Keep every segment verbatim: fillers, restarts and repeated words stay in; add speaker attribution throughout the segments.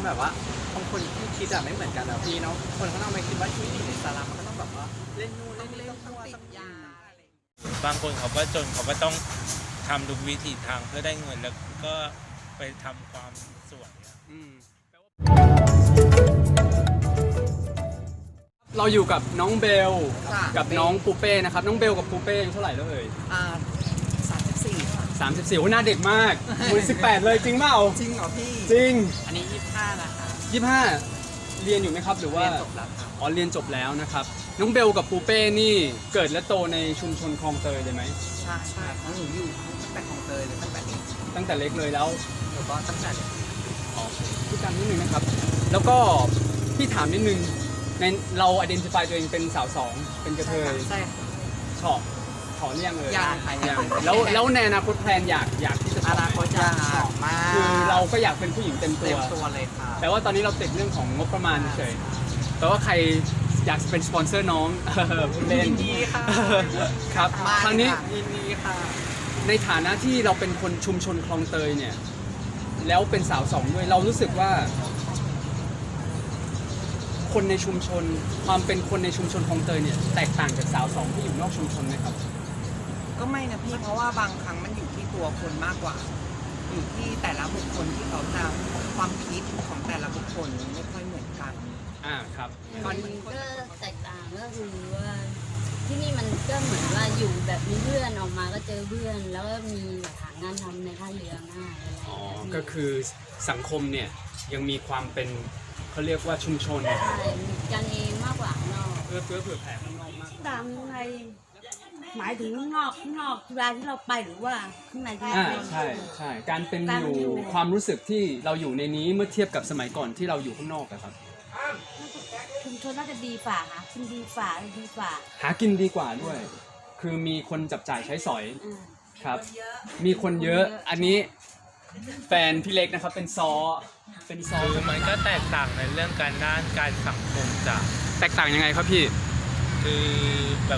Speaker 1: แบบว่าบางคนที่คิดอะไม่เหมือนกันอะพี่เนาะคนข้างนอกไม่คิดว่าชีวิตอยู่ในสลัมมันก็ต้องแบบว่าเล่นนู่นเล่นนี่ต้องมั่วต้องยาอะไรอย่างเงี้ย
Speaker 2: บางคนเขาก็จนเขาก็ต้องทำทุกวิถีทางเพื่อได้เงินแล้วก็ไปทำความสวย
Speaker 3: เราอยู่กับน้องเบลกับน้องปูเป้นะครับน้องเบลกับปูเป้อายุเท่าไหร่แล้วเอ่ย
Speaker 1: อ่าสามสิบสี่ค่ะ
Speaker 3: สามสิบสี่โอ้หน้าเด็กมากมือสิบแปดเลยจริงเปล่า
Speaker 1: จริงเหรอพี่
Speaker 3: จริง
Speaker 1: อันนี้ยี่สิบห้านะคะ
Speaker 3: ยี่สิบห้าเรียนอยู่ไหมครับหรือว่า
Speaker 1: เรียนจบแล้วครับ
Speaker 3: อ๋อเรียนจบแล้วนะครับน้องเบลกับปูเป้นี่เกิดและโตในชุมชนคลองเตยเลยไหม
Speaker 1: ใช่ใช่เพราะหนูอยู่ตั้งแต่ของเตยเลยตั้งแต่เด็ก
Speaker 3: ตั้งแต่เล็กเลยแล้ว
Speaker 1: หนูก็ตั้งแต่เด็ก
Speaker 3: อ๋อพี่การนิดนึงนะครับแล้วก็พี่ถามนิดนึงในเรา identify ตัวเองเป็นสาวสองเป็นกระเทย
Speaker 1: ใช่
Speaker 3: ชอบขอเรียงเลย
Speaker 1: ยังค่ะยัง
Speaker 3: แล้วแล้วในอนาคตแพลนอยากอยากที่จะ
Speaker 1: อนาคตอยากชอบมาก
Speaker 3: คือเราก็อยากเป็นผู้หญิงเต็มตัว
Speaker 1: เต็มตัวเลยค่ะ
Speaker 3: แต่ว่าตอนนี้เราติดเรื่องของงบประมาณเฉยแต่ว่าใครอยากเป็นสปอนเซอร์น้องพูดเล่น
Speaker 1: ยินดีค่ะ
Speaker 3: ครับคราวนี้
Speaker 1: ยินดีค่ะ
Speaker 3: ในฐานะที่เราเป็นคนชุมชนคลองเตยเนี่ยแล้วเป็นสาวสองด้วยเรารู้สึกว่าคนในชุมชนความเป็นคนในชุมชนคลองเตยเนี่ยแตกต่างจากสาวสองที่อยู่นอกชุมชนไหมครับ
Speaker 1: ก็ไม่นะพี่เพราะว่าบางครั้งมันอยู่ที่ตัวคนมากกว่าอยู่ที่แต่ละบุคคลที่เขาจะความคิดของแต่ละบุคคลไม่ค่อยเหมือนกัน
Speaker 3: อ่าครับ
Speaker 4: มันก็แตกต่างก็คือว่าที่นี่มันก็เหมือนว่าอยู่แบบมีเพื่อนออกมาก็เจอเพื่อนแล้วก็มีหางานทำในท่าเรือง่ายอะไร
Speaker 3: อ๋อก็คือสังคมเนี่ยยังมีความเป็นเขาเรียกว่าชุมชน
Speaker 4: ใช่มีกันเองมากกว่าข้างนอก
Speaker 3: เพื่อเพื่อเผื่อแผ่ข้างนอกมาก
Speaker 4: ต่างในหมายถึงข้างนอกข้างนอกเวลาที่เราไปหรือว่าข้างในที่
Speaker 3: อ่าใช่ใช่การเป็นอยู่ความรู้สึกที่เราอยู่ในนี้เมื่อเทียบกับสมัยก่อนที่เราอยู่ข้างนอกอะครับ
Speaker 4: ชุมชนน่าจะดีฝ่าหากินดีฝ่าดีฝ่า
Speaker 3: หากินดีกว่าด้วยคือมีคนจับจ่ายใช้สอยครับมีคนเยอะอันนี้แฟนพี่เล็กนะครับเป็นซอเป็นซอ
Speaker 2: คือมันก็แตกต่างในเรื่องการด้านการสังคมจาก
Speaker 3: แตกต่างยังไงครับพี่
Speaker 2: คือแบบ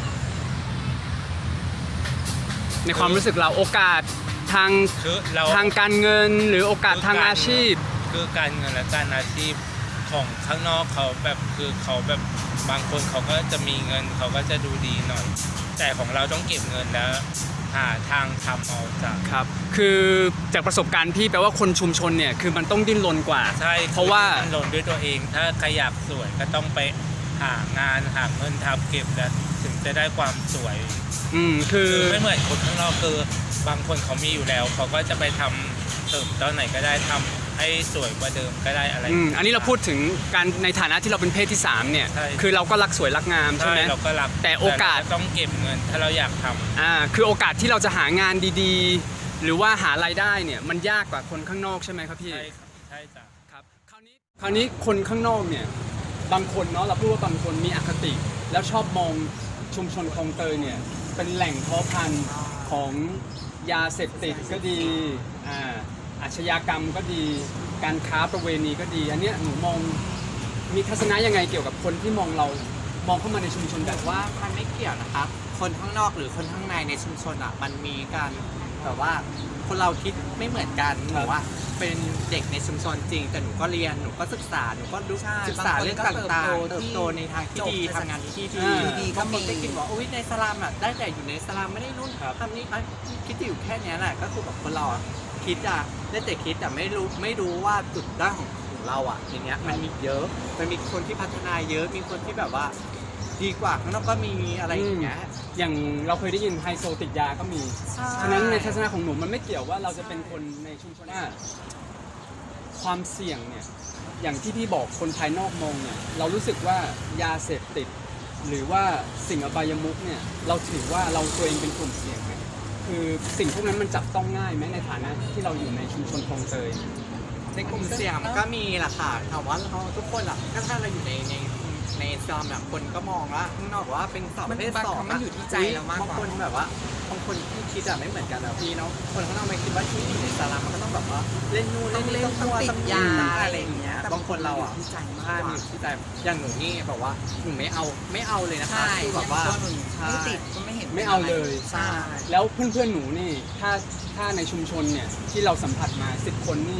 Speaker 3: ในความรู้สึกเราโอกาสทางทางการเงินหรือโอกาสทางอาชีพ
Speaker 2: คือการเงินและการอาชีพของข้างนอกเขาแบบคือเขาแบบบางคนเขาก็จะมีเงินเขาก็จะดูดีหน่อยแต่ของเราต้องเก็บเงินแล้วหาทางทำเอาจาก
Speaker 3: ครับคือจากประสบการณ์พี่แปลว่าคนชุมชนเนี่ยคือมันต้องดิ้นรนกว่า
Speaker 2: ใช่
Speaker 3: เพราะว่า
Speaker 2: ดิ้นรนด้วยตัวเองถ้าใครอยากสวยก็ต้องไปหางานหาเงินทำเก็บแล้วถึงจะได้ความสวย
Speaker 3: อืมคือ
Speaker 2: ไม่เหมือนคนข้างนอกคือบางคนเขามีอยู่แล้วเขาก็จะไปทำเสริมตอนไหนก็ได้ทำให้สวยกว่าเดิมก็ได้อะไร
Speaker 3: อืมอันนี้เราพูดถึงการในฐานะที่เราเป็นเพศที่สามเนี่ยคือเราก็รักสวยรักงามใช่ไหม
Speaker 2: เราก็รัก
Speaker 3: แต่โอกาส
Speaker 2: ต้องเก็บเงินถ้าเราอยากทำ
Speaker 3: อ่าคือโอกาสที่เราจะหางานดีๆหรือว่าหารายได้เนี่ยมันยากกว่าคนข้างนอกใช่ไหมครับพี่
Speaker 2: ใช่ใช่จ้ะ
Speaker 3: ครับคราวนี้คราวนี้คนข้างนอกเนี่ยบางคนเนาะเราพูดว่าบางคนมีอคติแล้วชอบมองชุมชนคลองเตยเนี่ยเป็นแหล่งเพาะพันธุ์ของยาเสพติดก็ดีอ่าอาชญากรรมก็ดีการค้าประเวณีก็ดีอันเนี้ยหนูมองมีทัศนะยังไงเกี่ยวกับคนที่มองเรามองเข้ามาในชุมชนแบบ
Speaker 1: ว่ามันไม่เกี่ยวนะคะคนข้างนอกหรือคนข้างในในชุมชนอ่ะมันมีการแบบว่าคนเราคิดไม่เหมือนกันหนูว่าเป็นเด็กในชุมชนจริงแต่หนูก็เรียนหนูก็ศึกษาหนูก็รู้ศึกษาเรื่องต่างๆเติบโตในทางที่ดีทำงานที่ดีบางคนได้กินบอกโอ้ยในสลัมอ่ะได้แต่อยู่ในสลัมไม่ได้รุ่นทำนี้คิดอยู่แค่นี้แหละก็คือแบบคนเราคิดอ่ะได้แต่คิดแต่ไม่รู้ไม่รู้ว่าจุดด้านของของเราอ่ะอย่างเงี้ยมันมีเยอะมันมีคนที่พัฒนาเยอะมีคนที่แบบว่าดีกว่าข้างนอกก็มีอะไรอย่างเงี้ย
Speaker 3: อย่างเราเคยได้ยินไฮโซติดยาก็มีฉะนั้นในทัศนะของหนูมันไม่เกี่ยวว่าเราจะเป็นคนในชุมชนว่าความเสี่ยงเนี่ยอย่างที่พี่บอกคนภายนอกมองเนี่ยเรารู้สึกว่ายาเสพติดหรือว่าสิ่งอบายมุขเนี่ยเราถือว่าเราตัวเองเป็นกลุ่มเสี่ยงไหมคือสิ่งพวกนั้นมันจับต้องง่ายไหมในฐานะที่เราอยู่ในชุมชนคลองเตย
Speaker 1: ในกลุ่มเสี่ยงก็มีแหละค่ะแต่ว่าเราทุกคนอ่ะก็ถ้าเราอยู่ในในในซอมแบบคนก็มองว่าข้างนอกว่าเป็นสาวประเภทสองมันอยู่ที่ใจเรามากกว่าบางคนแบบว่าบางคนที่คิดอะไม่เหมือนกันอะพี่เนาะคนข้างนอกไม่คิดว่าชีวิตอยู่ในสลัมมันก็ต้องแบบว่าเล่นนู่นเล่นนี่ต้องมั่วต้องยาอะไรอย่างเงี้ยบางคนเราอะที่ใจมากกว่าที่ใจอย่างหนูนี่แบบว่าหนูไม่เอาไม่เอาเลยนะคะคือแบบว่าไม่ติดก็ไม่เห็น
Speaker 3: ไม่เอาเลย
Speaker 1: ใช่
Speaker 3: แล้วเพื่อนๆหนูนี่ถ้าถ้าในชุมชนเนี่ยที่เราสัมผัสมาสิบคนนี่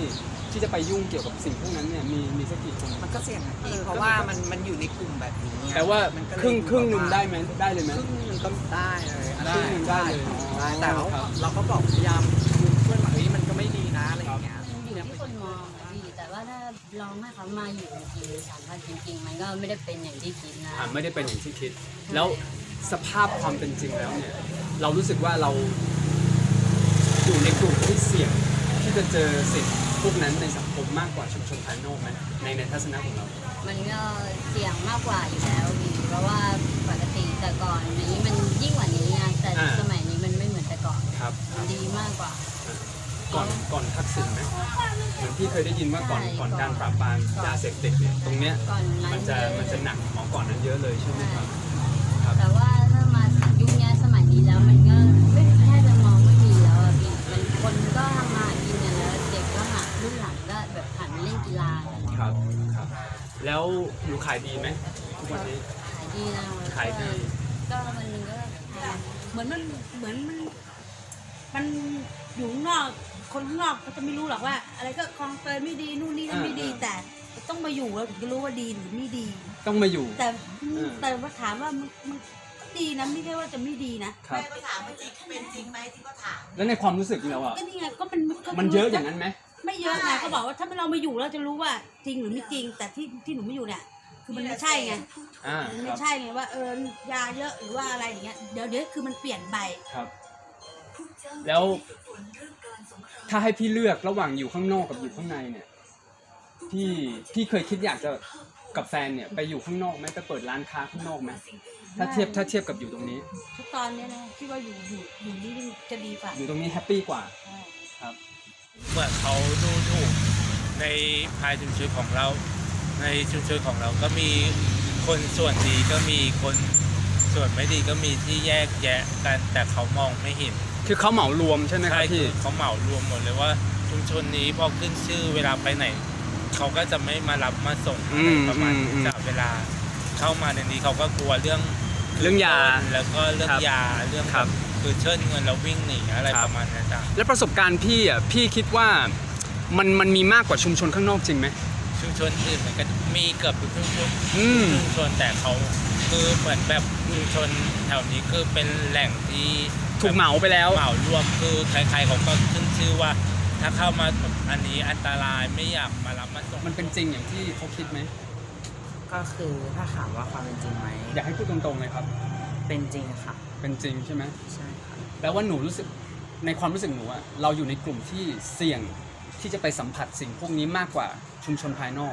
Speaker 3: ที่จะไปยุ่งเกี่ยวกับสิ่งพวกนั้นเนี่ยมีมีสักกี่คน
Speaker 1: มันก็เสี่ยงนะพี่เพราะว่ามันมันอยู่ในกลุ่มแบบนี้
Speaker 3: แต่ว่า
Speaker 1: มันก็เลย
Speaker 3: ครึ่งครึ่งหนึ่ง
Speaker 1: แบบว่า
Speaker 3: ได้ไหมได้เลยไหม
Speaker 1: ครึ่งหนึ่งก็ได้เลย
Speaker 3: ครึ่งหนึ่งได้เลย
Speaker 1: ได้แต่เรา
Speaker 3: ครับ
Speaker 1: เราก็บอกพยายามเพื่อนว่าเฮ้ยมันก็ไม่ดีนะอะไรอย่างเงี้ย
Speaker 4: อยู่ที่คนมองอะพี่แต่ว่าถ้าลองให้เขามาอยู่จริงๆสัมผัสจริงๆ มันก็ไม่ได้เป็นอย่างที่คิดนะ
Speaker 3: อ่าไม่ได้เป็นอย่างที่คิด แล้วสภาพความเป็นจริงแล้วเนี่ยเรารู้สึกว่าเราอยู่ในกลุ่มที่เสี่ยงที่จะเจอสิ่งพวกนั้นในสังคมมากกว่าชุมชนภายนอกไหมในในทัศนะของเรา
Speaker 4: มันก็เสี่ยงมากกว่าอยู่แล้วพี่เพราะว่าปกติแต่ก่อนนี้มันยิ่งกว่านี้ไงแต่
Speaker 3: อ่า
Speaker 4: สมัยนี้มันไม่เหมือนแต่ก่อน
Speaker 3: ครับ
Speaker 4: มันดีมากกว่า
Speaker 3: ก่อนก่อนทักษิณไหมเหมือนที่เคยได้ยินว่าก่อน
Speaker 4: ใช่
Speaker 3: ก่อน
Speaker 4: ก่อน
Speaker 3: การปราบปรามยาเสพติดเนี่ยตรงเนี้ย
Speaker 4: ก่อนนั้น
Speaker 3: มันจะ
Speaker 4: เยอ
Speaker 3: มันจะหนักของก่อนนั้นเยอะเลยใช่ไหมครับครับ
Speaker 4: แต่ว่าถ้ามายุคนี้สมัยนี้แล้วมันก็ไม่แค่จะมองไม่มีแล้วอะพี่มันคนก็ทำมาหากินกันแล้วเด็กก็หารุ่นหลังก็แบบหันมาเล่นกีฬากัน
Speaker 3: ครับครับ แล้วหนูขายดีไหมทุกวันนี้
Speaker 4: ขายดีนะ
Speaker 3: ขายดี
Speaker 4: ก็วันหนึงก็แพง
Speaker 5: เหมือนมันเหมือนมันมันอยู่ข้างนอกคนข้างนอกเขาจะไม่รู้หรอกว่า อะไรก็คลองเตยไม่ดีนู่นนี่นั่นไม่ดี แต่ต้องมาอยู่เราถึงจะรู้ว่าดีหรือไม่ดี
Speaker 3: ต้องมาอยู่
Speaker 5: แต่
Speaker 3: เออ
Speaker 5: แต่ว่าถามว่ามันมันก็ดีนะไม่ใช่ว่าจะไม่ดีนะครับ
Speaker 6: ก็ถามว่าจริงเป็นจริงไหมที่ก็ถาม
Speaker 3: แล้วในความรู้สึกเราอ่ะ
Speaker 5: ก็นี่ไงก็มันก็
Speaker 3: มันเยอะอย่างนั้นไหม
Speaker 5: ไม่เยอะไงก็บอกว่าถ้าเรามาอยู่เราจะรู้ว่าจริงหรือไม่จริง แต่ที่ที่หนูไม่อยู่เนี่ยคือมันไม่ใช่ไง
Speaker 3: อ่า
Speaker 5: มัน
Speaker 3: ค
Speaker 5: ไม่
Speaker 3: รับ
Speaker 5: ใช่ไงว่าเออยาเยอะหรือว่าอะไรอย่างเงี้ยเดี๋ยวเดี๋ยวคือมันเปลี่ยนไป
Speaker 3: ครับ แล้วถ้าให้พี่เลือกระหว่างอยู่ข้างนอกกับอยู่ข้างในเนี่ย พี่พี่เคยคิดอยากจะกับแฟนเนี่ยไปอยู่ข้างนอกไหมไปเปิดร้านค้าข้างนอกไหมถ้าเทียบถ้าเทียบกับอยู่ตรงนี้
Speaker 5: ทุกตอนเนี้ยนะที่ว่าอยู่อยู่อยู่นี่จะดีกว่า
Speaker 3: อยู่ตรงนี้แฮปปี้กว่า
Speaker 5: ใช่
Speaker 3: ครับ
Speaker 2: เหมือนเขาดูถูกในภายชุมชนของเรา ในชุมชนของเราก็มีคนส่วนดีก็มีคนส่วนไม่ดีก็มีที่แยกแยะกันแต่เขามองไม่เห็น
Speaker 3: คือเขาเหมารวมใช่ไหมค
Speaker 2: ใช่
Speaker 3: รับ
Speaker 2: คื
Speaker 3: พี่
Speaker 2: อเขาเหมารวมหมดเลยว่าชุมชนนี้พอขึ้นชื่อเวลาไปไหน เขาก็จะไม่มารับมาส่ง
Speaker 3: อื
Speaker 2: อะไร
Speaker 3: ม
Speaker 2: ประมาณ
Speaker 3: อืมอืม
Speaker 2: จากเวลาเข้ามาในนี้เขาก็กลัวเรื่อง
Speaker 3: เรื่องยา
Speaker 2: แล้วก็เรื่อง
Speaker 3: ครับ
Speaker 2: ยาเรื่อง
Speaker 3: ครับ
Speaker 2: คือเชิญเงินแล้ววิ่งหนีอะไร
Speaker 3: ครับ
Speaker 2: ประมาณนั้นจ้ะ
Speaker 3: แล้วประสบการณ์พี่อ่ะพี่คิดว่ามันมันมีมากกว่าชุมชนข้างนอกจริงไหม
Speaker 2: ชุมชนอื่นมันก็มีเกือบทุกชุมชน
Speaker 3: อืม
Speaker 2: ชุมชนแต่เขาคือเหมือนแบบชุมชนแถวนี้คือเป็นแหล่งที่
Speaker 3: ถูกเหมาไปแล้ว
Speaker 2: เหมารวมคือใครๆเขาก็ขึ้นชื่อว่า ถ้าเข้ามาอันนี้อันตรายไม่อยากมารับมาส่ง
Speaker 3: มันเป็นจริงอย่างที่เขาคิดไหม
Speaker 7: ก็คือถ้าถามว่าความเป็นจริงไหม
Speaker 3: อยากให้พูดตรงๆเลยครับ
Speaker 7: เป็นจริงค่ะ
Speaker 3: เป็นจริงใช่ไหม
Speaker 7: ใช่ค่ะ
Speaker 3: แปลว่าหนูรู้สึกในความรู้สึกหนูอะเราอยู่ในกลุ่มที่เสี่ยงที่จะไปสัมผัสสิ่งพวกนี้มากกว่าชุมชนภายนอก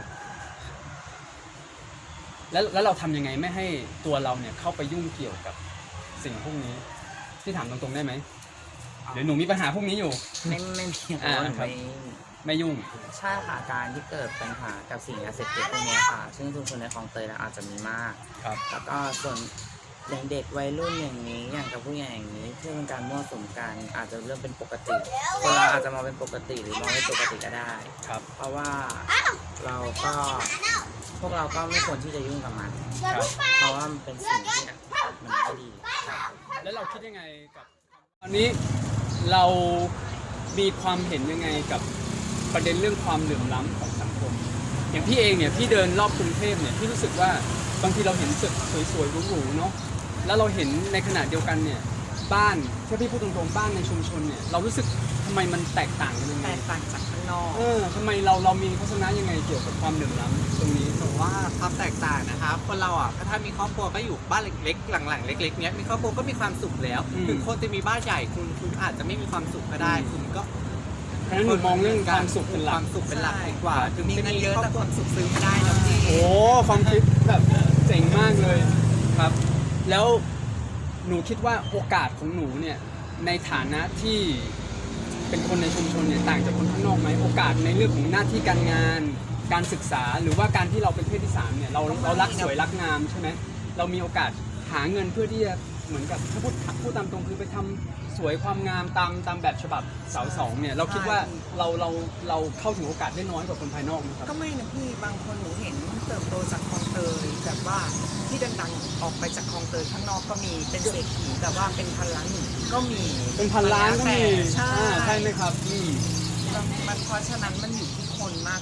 Speaker 3: แล้วแล้วเราทำยังไงไม่ให้ตัวเราเนี่ยเข้าไปยุ่งเกี่ยวกับสิ่งพวกนี้ที่ถามตรงๆได้ไหมหรือหนูมีปัญหาพวกนี้อยู่
Speaker 7: ไม่ไม่มี
Speaker 3: อ่า
Speaker 7: คน
Speaker 3: ครับ
Speaker 7: ไม่
Speaker 3: ไม่ยุ่ง
Speaker 7: ใช่ค่ะการที่เกิดปัญหากับสิ่งยาเสพติดพวกเนี้ยค่ะ ซึ่งชุมชนในคลองเตยแล้วอาจจะมีมาก
Speaker 3: ครับ
Speaker 7: แล้วก็ส่วนอย่างเด็กวัยรุ่นอย่างนี้ อย่างกับผู้ใหญ่อย่างนี้ที่เป็นการมั่วสุมกันอาจจะเริ่มเป็นปกติ คนเราอาจจะมองเป็นปกติหรือมองไม่ปกติก็ได้
Speaker 3: ครับ
Speaker 7: เพราะว่าเราก็พวกเราก็ไม่ควรที่จะยุ่งกับมัน
Speaker 3: ครับ
Speaker 7: เพราะว่ามันเป็นสิ่งที่มันไม่ดี
Speaker 3: แล้วเราคิดยังไงกับตอนนี้เรามีความเห็นยังไงกับประเด็นเรื่องความเหลื่อมล้ำของสังคม อย่างพี่เองเนี่ยพี่เดินรอบกรุงเทพเนี่ยพี่รู้สึกว่าบางทีเราเห็นตึกสวยๆหรูๆเนาะแล้วเราเห็นในขณะเดียวกันเนี่ยบ้านถ้าพี่พูดตรงๆบ้านในชุมชนเนี่ยเรารู้สึกทำไมมันแตกต่างกันยังไง
Speaker 1: แตกต่างจากข้างนอก
Speaker 3: เออทำไมเราเรามีทัศนะยังไงเกี่ยวกับความเหลื่อมล้ำตรงนี้
Speaker 1: หนูว่าความแตกต่างนะครับคนเราอ่ะถ้ามีครอบครัวก็อยู่บ้านเล็กๆ หลังๆ เล็กๆเนี้ยมีครอบครัวก็มีความสุขแล้ว
Speaker 3: อืม
Speaker 1: ถึงคนจะมีบ้านใหญ่คุณคุณอาจจะไม่มีความสุขก็ได้ คุณก็
Speaker 3: เพราะฉะนั้นหนูมองเรื่องความสุขเป็นห
Speaker 1: ค
Speaker 3: ลั
Speaker 1: วาก มสุขเป็นหลักดีกว่า
Speaker 6: มีเงินเยอะแต่ความสุขซื้อไม่ได้นะพี่
Speaker 3: โอ้ความคิดแบบเจ๋งมากเลยครับ แล้วหนูคิดว่าโอกาสของหนูเนี่ยในฐานะที่เป็นคนในชุมชนเนี่ยต่างจากคนข้างนอกไหมโอกาสในเรื่องของหน้าที่การงาน การศึกษาหรือว่าการที่เราเป็นเพศที่สามเนี่ยเราเรารักสวยรักงามใช่ไหมเรามีโอกาสหาเงินเพื่อที่จะเหมือนกับถ้าพูดพูดตามตรงคือไปทำสวยความงามตามตามแบบฉบับสาวสองเนี่ยเราคิดว่าเราเราเราเข้าถึงโอกาสได้น้อยกว่าคนภายนอกไหมครับ
Speaker 6: ก็ไม่นะพี่บางคนหนูเห็นเติบโตจากคลองเตยแบบว่าที่ดังๆออกไปจากคลองเตยข้างนอกก็มีเป็นเศรษฐีแบบว่าเป็นพันล้านหนึ่งก็มี
Speaker 3: เป็นพันล้านก็มี
Speaker 6: ใช่
Speaker 3: อ่าใช่ไหมครับอืม
Speaker 6: มันเพราะฉะนั้นมันอยู่ที่คน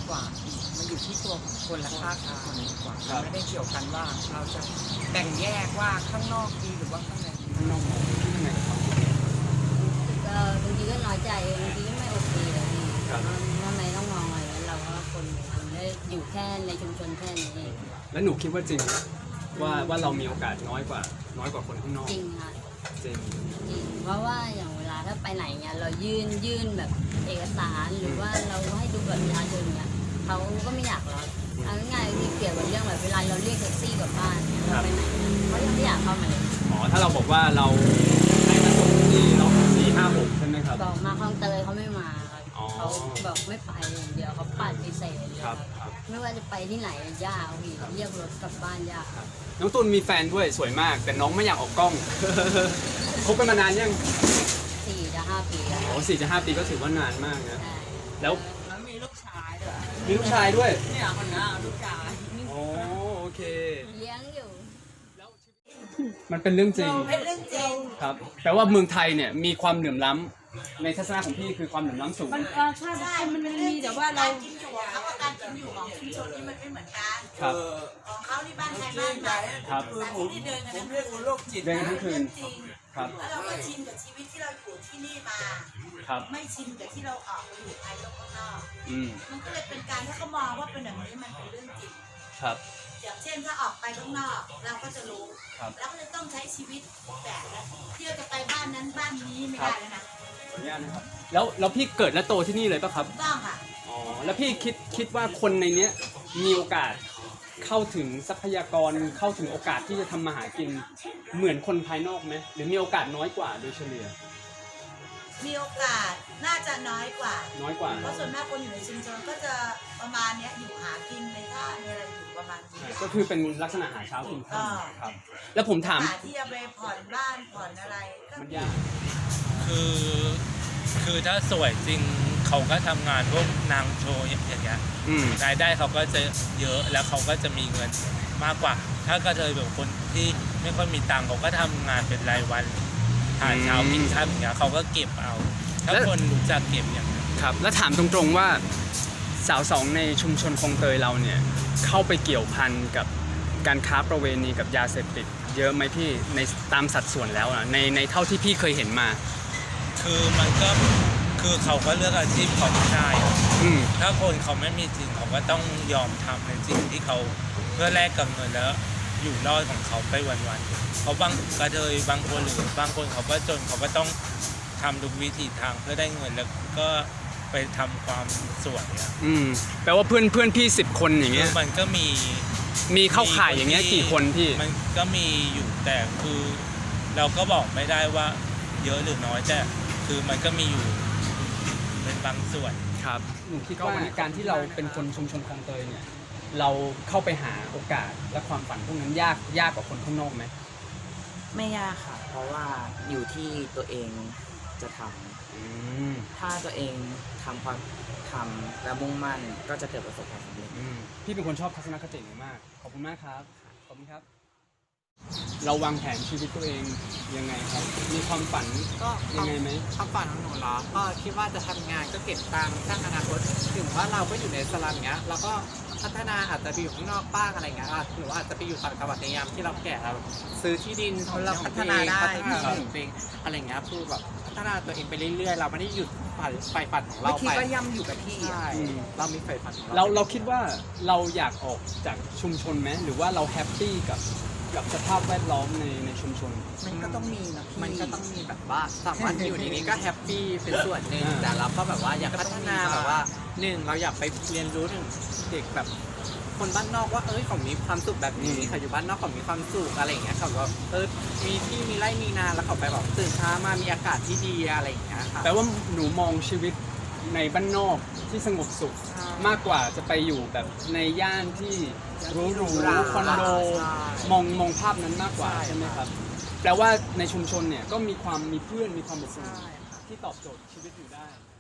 Speaker 6: กว่ามันอยู่ที่ตัวของคนและค่าของคนมากกว่า
Speaker 3: ครับ
Speaker 6: ไม่ได้เกี่ยวกันว่าเราจะแบ่งแยกว่าข้างนอกดีหรือว่าข้างในดี
Speaker 3: ข้างนอกมองคิดยังไงกับความคิดเห็น
Speaker 4: ก็บางทีก็น้อยใจบางทีก็ไม่โอเคเลยพี่
Speaker 3: ครับ
Speaker 4: ทำไมต้องมองอะไรนั้นเราก็คนคนได้อยู่แค่ในชุมชนแค่นี้เอง
Speaker 3: แล้วหนูคิดว่าจริงไหมว่าว่าเรามีโอกาสน้อยกว่า น้อยกว่าคนข้างนอก
Speaker 4: จริงค่ะ
Speaker 3: จริง
Speaker 4: จริงเพราะว่าอย่างเวลาถ้าไปไหนเนี่ยเรายื่นยื่นแบบเอกสารหรือว่าเราให้ดูแบบประชาชนเนี่ยเขาก็ไม่อยากรับเอาง่ายๆที่เกี่ยวกับเรื่องแบบเวลาเราเรียกแท็กซี่กลับบ้านเนี่ยเราไปไหนเขายังไม่อยากเข้ามาเลย
Speaker 3: อ๋อถ้าเราบอกว่าเราให้มาส่งที่เราสี่ห้าหกใช่ไหมครับ
Speaker 4: บอกมาคลองเตยเขาไม่มาครับ
Speaker 3: อ๋อ
Speaker 4: เขาบอกไม่ไปอย่างเดียวเขาปฏิเสธเลย
Speaker 3: ค
Speaker 4: ค
Speaker 3: รั
Speaker 4: รั
Speaker 3: บบ ครับ
Speaker 4: ไม่ว่าจะไปที่ไหนยากพี่เรียกรถกลับบ้านยาก
Speaker 3: น้องตุลมีแฟนด้วยสวยมาก แต่น้องไม่อยากออกกล้อง คบกันมานานยัง
Speaker 4: สี่จะห้าปีแล้ว
Speaker 3: โอ้สี่จะห้าปีก็ถือว่านานมากนะ
Speaker 4: ใช่
Speaker 3: แล้ว
Speaker 6: แล้วมีลูกชายด้วย
Speaker 3: มีลูกชายด้วย
Speaker 6: เนี่ยคนนั้นลูกชาย
Speaker 3: โอ้โอเค
Speaker 4: เลี้ยงอยู่
Speaker 3: มันเป็นเรื่องจริง
Speaker 5: เป็นเรื่องจริง
Speaker 3: ครับแปลว่าเมืองไทยเนี่ยมีความเหลื่อมล้ำในทัศนะของพี่คือความเหลื่อมล้ำสูง
Speaker 5: มันเออใช่ใช่มันมันมีแต่ว่าเรา
Speaker 8: การกินอยู่ของเขากับการกินอยู่ของชุมชนนี่มันไม่เหมือนกัน
Speaker 3: ครับ
Speaker 8: ของเขาที่บ้านใครบ้านมัน
Speaker 3: ครับ
Speaker 8: แต่ที่นี่เดินกันทั้งคืน
Speaker 3: เดินกันทั้งคืน
Speaker 8: จริง
Speaker 3: ครับ
Speaker 8: แล้วเราก็ชินกับชีวิตที่เราอยู่ที่นี่มา
Speaker 3: ครับ
Speaker 8: ไม่ชินกับที่เราออกไปอยู่ภายนอกข้างนอก
Speaker 3: อืม
Speaker 8: มันก็เลยเป็นการที่เขามองว่าเป็นแบบนี้มันเป็นเรื่องจริง
Speaker 3: ครับ
Speaker 8: อย่างเช่นถ้าออกไปข้างนอกเราก็จะรู้
Speaker 3: ครับ
Speaker 8: แล้วก็จะต้องใช้ชีวิตแบบที่เราจะไปบ้านนั้นบ้านนี้ไม่ได้แล้วนะ
Speaker 3: ขออนุญาตนะครับแล้วแล้วพี่เกิดและโตที่นี่เลยปะครับ
Speaker 8: ถูกต้องค่ะ
Speaker 3: อ๋อแล้วพี่คิดคิดว่าคนในเนี้ยมีโอกาสเข้าถึงทรัพยากรเข้าถึงโอกาสที่จะทำมาหากินเหมือนคนภายนอกไหมหรือมีโอกาสน้อยกว่าโดยเฉลี่ย
Speaker 8: มีโอกาสน่าจะน้อยกว่า
Speaker 3: น้อยกว่า
Speaker 8: เพราะส่วนมากคนอยู่ในชุมชนก็จะประมาณเนี้ยอยู่หากินในท่าในอะไรอยู่ประมาณนี้
Speaker 3: ก็คือเป็นลักษณะหาเช้ากิน
Speaker 8: อ่า
Speaker 3: ค่ำครับ แล้วผมถาม
Speaker 8: หาที่จะไปผ่อนบ้านผ่อนอะไรก็
Speaker 3: มันยาก
Speaker 2: คือคือถ้าสวยจริงเขาก็ทำงานพวกนางโชว์อย่างเงี้ย
Speaker 3: อืม
Speaker 2: รายได้เขาก็จะเยอะแล้วเขาก็จะมีเงินมากกว่า ถ้ากระเทยแบบคนที่ไม่ค่อยมีตังค์เขาก็ทำงานเป็นรายวันหาเช้ากินค่ำอย่างเงี้ยเขาก็เก็บเอา ถ้าคนรู้จักเก็บอย่างเงี้ย
Speaker 3: ครับ แล้วถามตรงๆว่าสาวสองในชุมชนคลองเตยเราเนี่ยเข้าไปเกี่ยวพันกับการค้าประเวณีกับยาเสพติด เยอะไหมพี่ในตามสัดส่วนแล้วอะในในเท่าที่พี่เคยเห็นมา
Speaker 2: คือมันก็คือเขาก็เลือกอาชีพเขาไม่ได้
Speaker 3: อืม
Speaker 2: ถ้าคนเขาไม่มีจริงเขาก็ต้องยอมทำในสิ่งที่เขาเพื่อแลกกับเงินแล้วอยู่รอดของเขาไปวันๆเขาบางกระเทยบางคนหรือบางคนเขาก็จนเขาก็ต้องทำทุกวิถีทางเพื่อได้เงินแล้วก็ไปทำความสวยอะ
Speaker 3: อืมแปลว่าเพื่อนเพื่อนพี่สิบคนอย่าง
Speaker 2: คื
Speaker 3: เงี้
Speaker 2: อย มันก็มี
Speaker 3: มีเข้าข่ายอย่างเงี้ยกี่คนพี่
Speaker 2: มันก็มีอยู่แต่คือเราก็บอกไม่ได้ว่าเยอะหรือน้อยแต่คือมันก็มีอยู่เป็นบางส่วน
Speaker 3: ครับหนูคิดว่าการที่เราเป็นคนชุมชนคลองเตยเนี่ยเราเข้าไปหาโอกาสและความฝันพวกนั้นยากยากกว่าคนข้างนอกไหม
Speaker 7: ไม่ยากค่ะ เพราะว่าอยู่ที่ตัวเองจะทำ
Speaker 3: อืม
Speaker 7: ถ้าตัวเองทำความทำและมุ่งมั่นก็จะเกิดประสบความสำเร็จ
Speaker 3: อืมพี่เป็นคนชอบทัศนคติหนูมากขอบคุณมากครับขอบคุณครับ เราวางแผนชีวิตตัวเองยังไงครับ มีความฝัน
Speaker 1: ก็
Speaker 3: ยังไงไหม
Speaker 1: ความฝันของหนูเหรอก็คิดว่าจะทำงานก็เก็บตังค์สร้างอนาคตถึงว่าเราก็อยู่ในสลัมเงี้ยเราก็พัฒนาอาจจะไปอยู่ข้างนอกบ้างอะไรเงี้ยอ่ะหรือว่าอาจจะไปอยู่ต่างจังหวัดในยามที่เราแก่เราซื้อที่ดินของ
Speaker 6: เรา
Speaker 1: ของ
Speaker 6: พัฒนาได้
Speaker 1: พัฒนาตัวเองอะไรเงี้ยคือแบบพัฒนาตัวเองไปเรื่อยๆ เราไม่ได้หยุดฝันไฟฝันของ
Speaker 6: ไม่
Speaker 1: เรา
Speaker 6: คิด
Speaker 1: ไป
Speaker 6: ว่าย่ำอยู่กับที่
Speaker 1: ใช่
Speaker 6: อะ
Speaker 3: อืม
Speaker 1: เรามีไฟฝันของ
Speaker 3: เรา
Speaker 1: เรา
Speaker 3: เราคิดว่าเราอยากออกจากชุมชนไหมหรือว่าเราแฮปปี้กับกับสภาพแวดล้อมในในชุมชน
Speaker 6: มันก็ต้องมีนะพี่
Speaker 1: มันก็ต้องมีแบบว่าสามวันอยู่ในนี้ก็แฮปปี้เป็นส่วนหนึ่ง
Speaker 3: อ่า
Speaker 1: แต่เราก็แบบว่าอยาก
Speaker 6: ก็
Speaker 1: พั
Speaker 6: ต้
Speaker 1: ฒ
Speaker 6: องมี
Speaker 1: นา
Speaker 6: บ้าง
Speaker 1: แบบว่าหนึ่งเราอยากไปเรียนรู้ถึงเด็กแบบคนบ้านนอกว่าเอ้ยเขามีความสุขแบบนี้เขาอยู่บ้านนอกเขามีความสุขอะไรอย่างเงี้ยเขาแบบเออมีที่มีไร่มีนาแล้วเขาไปแบบตื่นเช้ามามีอากาศที่ดีอะไรอย่างเงี้ยค่ะ
Speaker 3: แปลว่าหนูมองชีวิตในบ้านนอกที่สงบสุข
Speaker 1: ใช่
Speaker 3: มากกว่าจะไปอยู่แบบในย่านที่หรูหรู
Speaker 1: หรา
Speaker 3: คอนโด
Speaker 1: ใช่
Speaker 3: มองมองภาพนั้นมากกว่า
Speaker 1: ใช่
Speaker 3: ใช่ไหมครับ แปลว่าในชุมชนเนี่ยก็มีความมีเพื่อนมีความอบอุ่น
Speaker 1: ใช่ค่ะ
Speaker 3: ที่ตอบโจทย์ชีวิตอยู่ได้